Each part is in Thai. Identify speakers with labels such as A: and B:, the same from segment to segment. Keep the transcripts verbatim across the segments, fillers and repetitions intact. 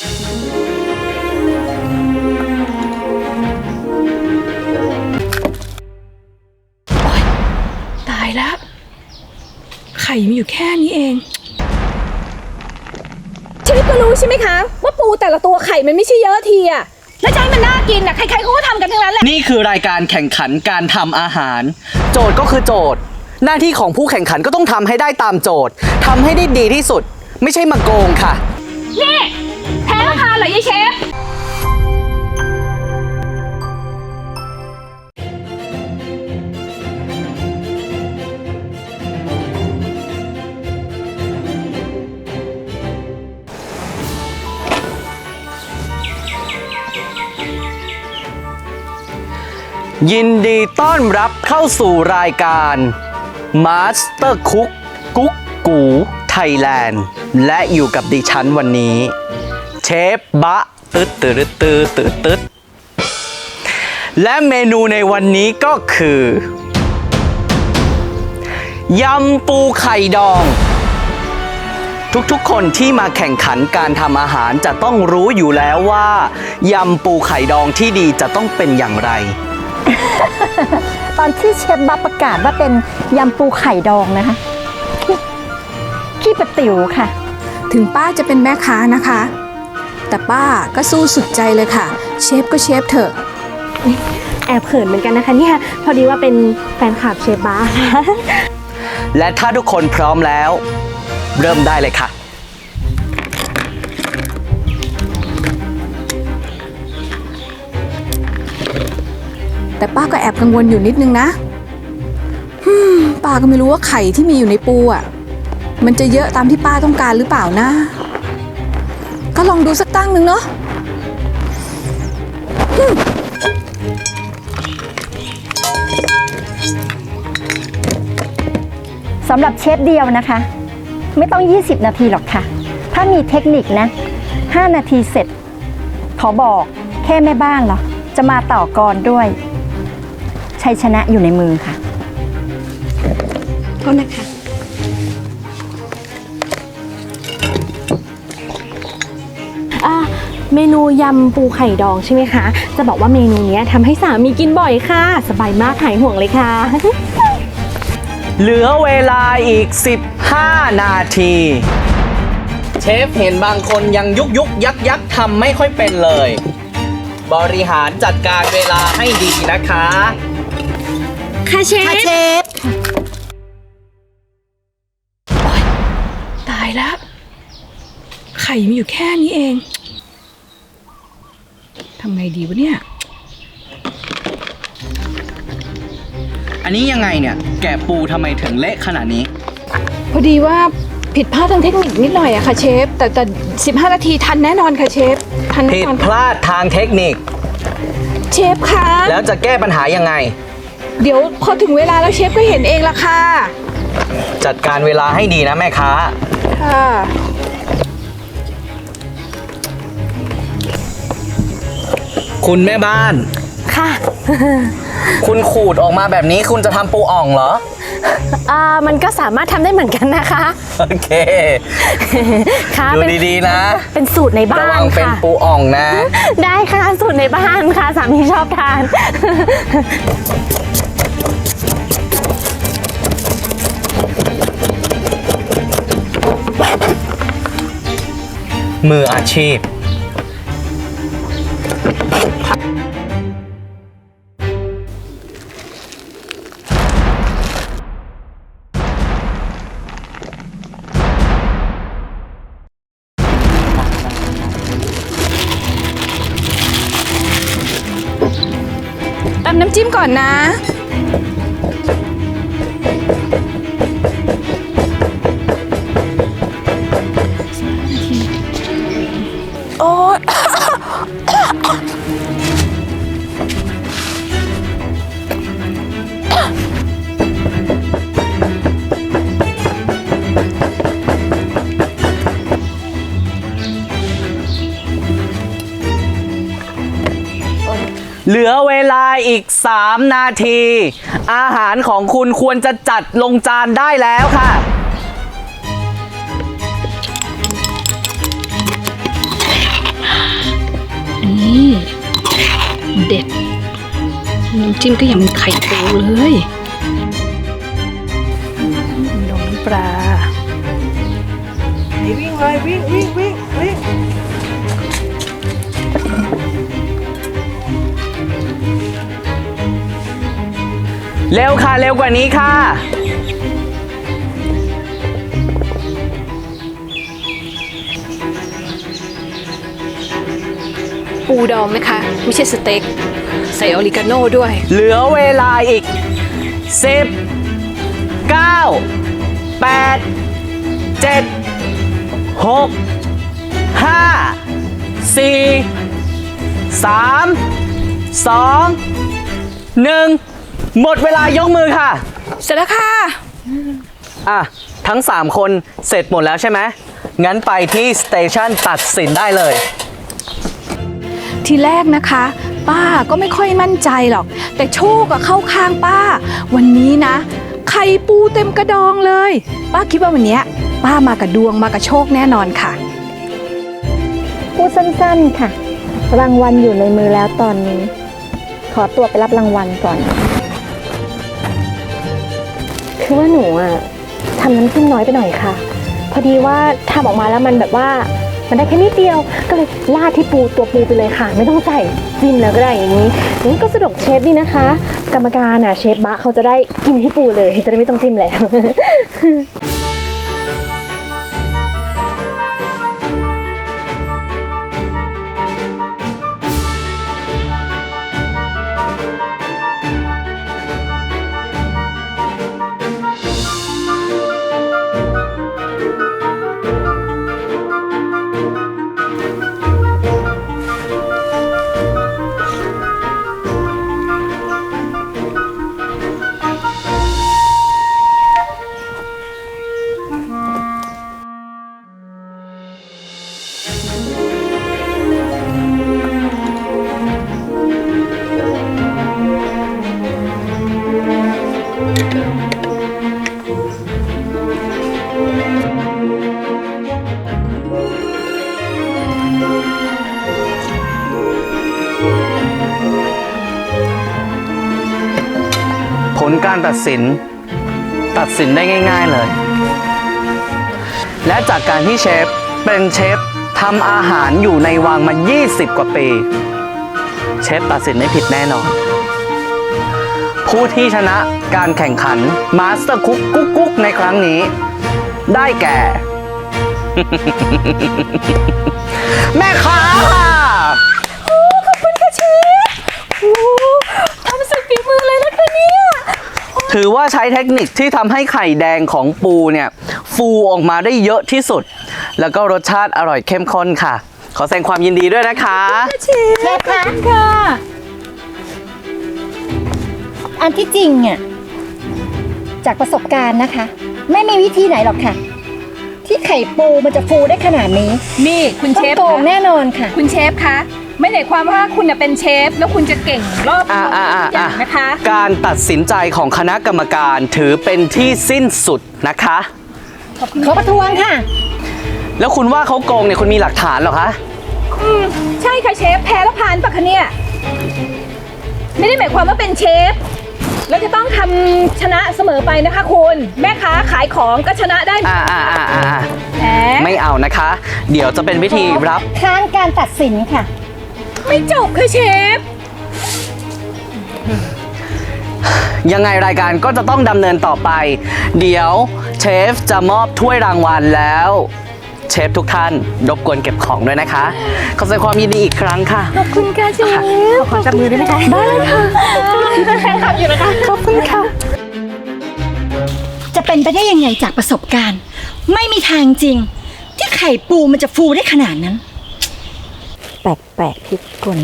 A: ตายแล้วไข่มีอยู่แค่นี้เองเชฟก็รู้ใช่ไหมคะว่าปูแต่ละตัวไข่มันไม่ใช่เยอะทีอะแล้วใจมันน่ากินอะใครๆเขาก็ทำกันทั้งนั้นแหละ
B: นี่คือรายการแข่งขันการทำอาหารโจทย์ก็คือโจทย์หน้าที่ของผู้แข่งขันก็ต้องทำให้ได้ตามโจทย์ทำให้ได้ดีที่สุดไม่ใช่มาโกงค่ะ
A: นี่แพ้ราคาเหรอยายเชฟ
B: ยินดีต้อนรับเข้าสู่รายการ Master Cook กุ๊กกูไทยแลนด์และอยู่กับดิฉันวันนี้เชฟบะตึ๊ดตึ๊ดตึ๊ดตึ๊ดตึ๊ดและเมนูในวันนี้ก็คือยำปูไข่ดองทุกๆคนที่มาแข่งขันการทำอาหารจะต้องรู้อยู่แล้วว่ายำปูไข่ดองที่ดีจะต้องเป็นอย่างไร
C: ตอนที่เชฟบับประกาศว่าเป็นยำปูไข่ดองนะคะขี้ประติ๋วค่ะ
A: ถึงป้าจะเป็นแม่ค้านะคะแต่ป้าก็สู้สุดใจเลยค่ะเชฟก็เชฟเถอะ
D: แอบเขินเหมือนกันนะคะเนี่ยพอดีว่าเป็นแฟนคลับเชฟบ้า
B: และถ้าทุกคนพร้อมแล้วเริ่มได้เลยค่ะ
A: แต่ป้าก็แอบกังวลอยู่นิดนึงนะป้าก็ไม่รู้ว่าไข่ที่มีอยู่ในปูอ่ะมันจะเยอะตามที่ป้าต้องการหรือเปล่านะก็ลองดูสักตั้งหนึ่งเนาะ
C: สำหรับเชฟเดียวนะคะไม่ต้องยี่สิบนาทีหรอกค่ะถ้ามีเทคนิคนะห้านาทีเสร็จขอบอกแค่แม่บ้านเหรอจะมาต่อกรด้วยชัยชนะอยู่ในมือค่ะ
D: โทษนะคะอ่าเมนูยำปูไข่ดองใช่ไหมคะจะบอกว่าเมนูนี้ทำให้สามีกินบ่อยค่ะสบายมากหายห่วงเลยค่ะ
B: เหลือเวลาอีกสิบห้านาทีเชฟเห็นบางคนยังยุกยุกยักยักทำไม่ค่อยเป็นเลยบริหารจัดการเวลาให้ดีนะคะ
D: ค่ะเชฟค่ะเชฟ
A: ตายแล้วไข่มีอยู่แค่นี้เองทำไงดีวะเนี่ย
B: อันนี้ยังไงเนี่ยแกะปูทำไมถึงเละขนาดนี้
A: พอดีว่าผิดพลาดทางเทคนิคนิดหน่อยอะค่ะเชฟแต่แต่สิบห้านาทีทันแน่นอนค่ะเชฟทันแน่
B: ผิด
A: นอน
B: พลาดทางเทคนิค
A: เชฟคะ
B: แล้วจะแก้ปัญหายังไง
A: เดี๋ยวพอถึงเวลาแล้วเชฟก็เห็นเองละค่ะ
B: จัดการเวลาให้ดีนะแม่ค้า
A: ค่ะ
B: คุณแม่บ้าน
D: ค่ะ
B: คุณขูดออกมาแบบนี้คุณจะทำปูอ่องเหรอ
D: อ่ามันก็สามารถทำได้เหมือนกันนะคะ
B: โอเค
D: ค่ะ
B: ดูดีๆนะ
D: เป็นสูตรในบ้านค่ะระวัง
B: เป็นปูอ่องนะ
D: ได้ค่ะสูตรในบ้านค่ะสามีชอบทาน
B: มืออาชีพ
A: ตำน้ำจิ้มก่อนนะโอ๊ย
B: เหลือเวลาอีกสามนาทีอาหารของคุณควรจะจัดลงจานได้แล้วค่ะ
E: จิ้มก็ยังเป็นไข่ปูเลยนมน้ำปลา
F: วิ่งเลยวิ่งวิ่งวิ่งวิ่ง
B: เร็วค่ะ เร็วกว่านี้ค่ะ
E: ปูดองนะคะ ไม่ใช่สเต็ก ใส่ออริกาโน่ด้วย
B: เหลือเวลาอีกสิบ เก้า แปด เจ็ด หก ห้า สี่ สาม สอง หนึ่ง หมดเวลายกมือค่ะ
A: เสร็จแล้วค่ะ
B: อ่ะ ทั้ง สาม คนเสร็จหมดแล้วใช่ไหม งั้นไปที่สเตชันตัดสินได้เลย
A: ทีแรกนะคะ ป้าก็ไม่ค่อยมั่นใจหรอก แต่โชคอะเข้าข้างป้า วันนี้นะ ไข่ปูเต็มกระดองเลย ป้าคิดว่าวันเนี้ยป้ามากับดวงมากับโชคแน่นอนค่ะ
C: พูดสั้นๆค่ะ รางวัลอยู่ในมือแล้วตอนนี้ ขอตัวไปรับรางวัลก่อน
D: คือว่าหนูอ่ะทำน้ำจิ้มน้อยไปหน่อยค่ะ พอดีว่าทำออกมาแล้วมันแบบว่ามันได้แค่นิดเดียว ก็เลยราดที่ปูตัวปูไปเลยค่ะ ไม่ต้องใส่จิ้มแล้วก็ได้อย่างนี้นี่ก็สะดวกเชฟดีนะคะ กรรมการอ่ะเชฟบะเขาจะได้กินที่ปูเลยจะได้ไม่ต้องจิ้มแล้ว
B: ผลการตัดสิน ตัดสินได้ง่ายๆเลย และจากการที่เชฟเป็นเชฟทำอาหารอยู่ในวังมา ยี่สิบ กว่าปี เชฟตัดสินไม่ผิดแน่นอน ผู้ที่ชนะการแข่งขันมาสเตอร์คุกกุ๊กกุ๊กในครั้งนี้ ได้แก่ แม่ค้าค่ะ
A: ทำสุดฝีมือเลยนะคะเนี่ย
B: ถือว่าใช้เทคนิคที่ทำให้ไข่แดงของปูเนี่ย ฟูออกมาได้เยอะที่สุด แล้วก็รสชาติอร่อยเข้มข้นค่ะ ขอแสดงความยินดีด้วยนะคะ
C: เชฟคะค่ะ อันที่จริงอ่ะจากประสบการณ์นะคะ ไม่มีวิธีไหนหรอกค่ะ ที่ไข่ปูมันจะฟูได้ขนาดนี้
A: นี่คุณ
C: ต้อ
A: เช
C: ง
A: ฟ
C: โกง
A: คะ
C: แน่นอนค่ะ
A: คุณเชฟคะ ไม่ได้ความว่าคุณน่ะเป็นเชฟ แล้วคุณจะเก่งรอบ
B: อ่าอ่าอ่า
A: ทุกอย่างนะคะ
B: การตัดสินใจของคณะกรรมการถือเป็นที่สิ้นสุดนะคะ
C: ขอประท้วงค่ะ
B: แล้วคุณว่าเขาโกงเนี่ยคุณมีหลักฐานเหรอคะ
A: อืมใช่ค่ะเชฟ แพ้แล้วผ่านปะคะเนี่ย ไม่ได้หมายความว่าเป็นเชฟ แล้วจะต้องทำชนะเสมอไปนะคะคุณ แม่ค้าขายของก็ชนะได้
B: อ่าอ่าอ่าอ่า
A: แหม
B: ไม่เอานะคะ เดี๋ยวจะเป็นวิธีรับ
C: ค้านการตัดสินค่ะ
A: ไม่จบค่ะเชฟ
B: ยังไงรายการก็จะต้องดำเนินต่อไป เดี๋ยวเชฟจะมอบถ้วยรางวัลแล้ว เชฟทุกท่านรบกวนเก็บของด้วยนะคะ ขอแสดงความยินดีอีกครั้งค่ะ
A: ขอบคุณค่ะเชฟ
D: ขอจับมือได้ไหมคะได้เลยค่ะแฟนคลับอยู่นะคะขอบคุณค่ะ
C: จะเป็นไปได้ยังไงจากประสบการณ์ ไม่มีทางจริง ที่ไข่ปูมันจะฟูได้ขนาดนั้น แปลกๆพิกล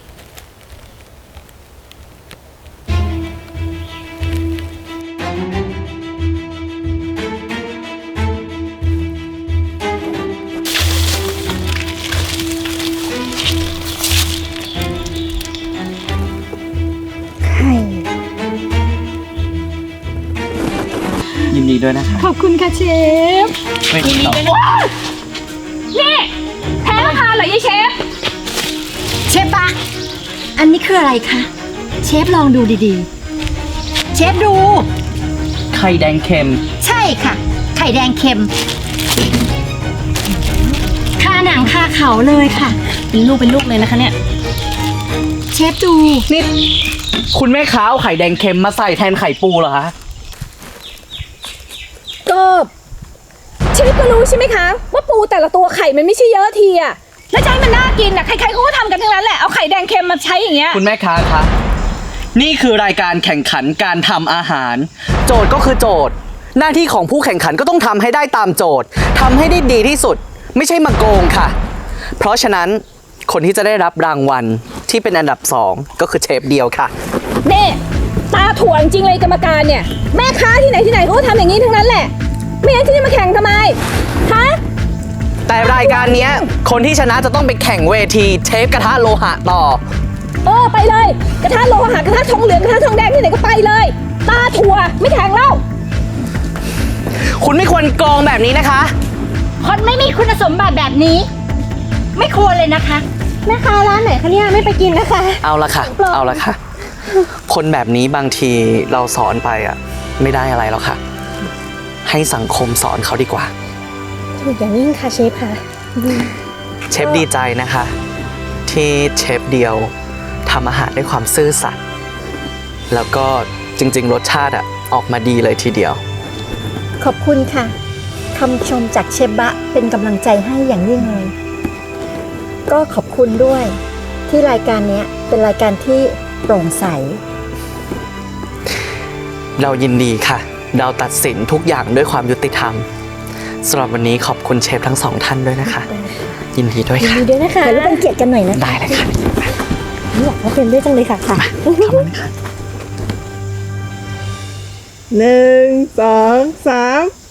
B: ยินดีด้วยนะคะ
A: ขอบคุณค่ะเชฟ
B: ไม่ติดต่อ
A: นี่แพ้แล้วค่ะเหรอยายเชฟ
C: เชฟปะอันนี้คืออะไรคะเชฟลองดูดีๆ เชฟดู
B: ไข่แดงเค็ม
C: ใช่ค่ะ ไข่แดงเค็มคาหนังคาเขาเลยค่ะ
E: เป็นลูกเป็นลูกเลยนะคะเนี่ย
C: เชฟดู
B: นี่ คุณแม่ค้าเอาไข่แดงเค็มมาใส่แทนไข่ปูเหรอคะ
A: ก็เชฟก็รู้ใช่ไหมคะ ว่าปูแต่ละตัวไข่มันไม่ใช่เยอะทีอะแล้วจะให้มันน่ากินอะใครๆเขาก็ทำกันทั้งนั้นแหละเอาไข่แดงเค็มมาใช้อย่างเงี้ย
B: คุณแม่ค้าคะ นี่คือรายการแข่งขันการทำอาหาร โจทย์ก็คือโจทย์ หน้าที่ของผู้แข่งขันก็ต้องทำให้ได้ตามโจทย์ทำให้ได้ดีที่สุด ไม่ใช่มาโกงค่ะ เพราะฉะนั้นคนที่จะได้รับรางวัลที่เป็นอันดับสองก็คือเชฟเดียวค่ะ
A: เน่ตาถ่วงจริงเลยกรรมการเนี่ย แม่ค้าที่ไหนที่ไหนเขาก็ทำอย่างนี้ทั้งนั้นแหละ ไม่งั้นที่จะมาแข่งทำไมฮะ
B: แต่รายการเนี้ยคนที่ชนะจะต้องไปแข่งเวทีเชฟกระทะโลหะต่อ
A: เออไปเลย กระทะโลหะกระทะทองเหลืองกระทะทองแดงที่ไหนก็ไปเลย ตาถั่วไม่แข่งแล้ว
B: คุณไม่ควรโกงแบบนี้นะคะ
C: คนไม่มีคุณสมบัติแบบนี้ ไม่ควรเลยนะคะ
D: แม่ค้าร้านไหนคะเนี่ยไม่ไปกินนะคะ
B: เอาละค่ะ เอาละค่ะ คนแบบนี้บางทีเราสอนไปอ่ะ ไม่ได้อะไรหรอกค่ะ ให้สังคมสอนเขาดีกว่า
D: ถูกอย่างยิ่งค่ะเชฟค่ะ
B: เชฟดีใจนะคะ ที่เชฟเดียวทำอาหารด้วยความซื่อสัตย์แล้วก็จริงๆ รสชาติอ่ะ ออกมาดีเลยทีเดียว
C: ขอบคุณค่ะคำชมจากเชฟบะเป็นกำลังใจให้อย่างยิ่งเลย ก็ขอบคุณด้วยที่รายการเนี้ยเป็นรายการที่โปร่งใส
B: เรายินดีค่ะ เราตัดสินทุกอย่างด้วยความยุติธรรมสำหรับวันนี้ขอบคุณเชฟทั้งสองท่านด้วยนะคะ ยินดีด้วยค่ะ
D: ดีด้วยนะคะ
C: เดี๋ยวเราเป็นเกียรติกันหน่อยนะ
B: ได้เลยค่ะ
D: อยากให้เป็นด้วยจังเลยค่ะค่ะ
B: ขอบคุณค่ะ
F: หนึ่งสองสาม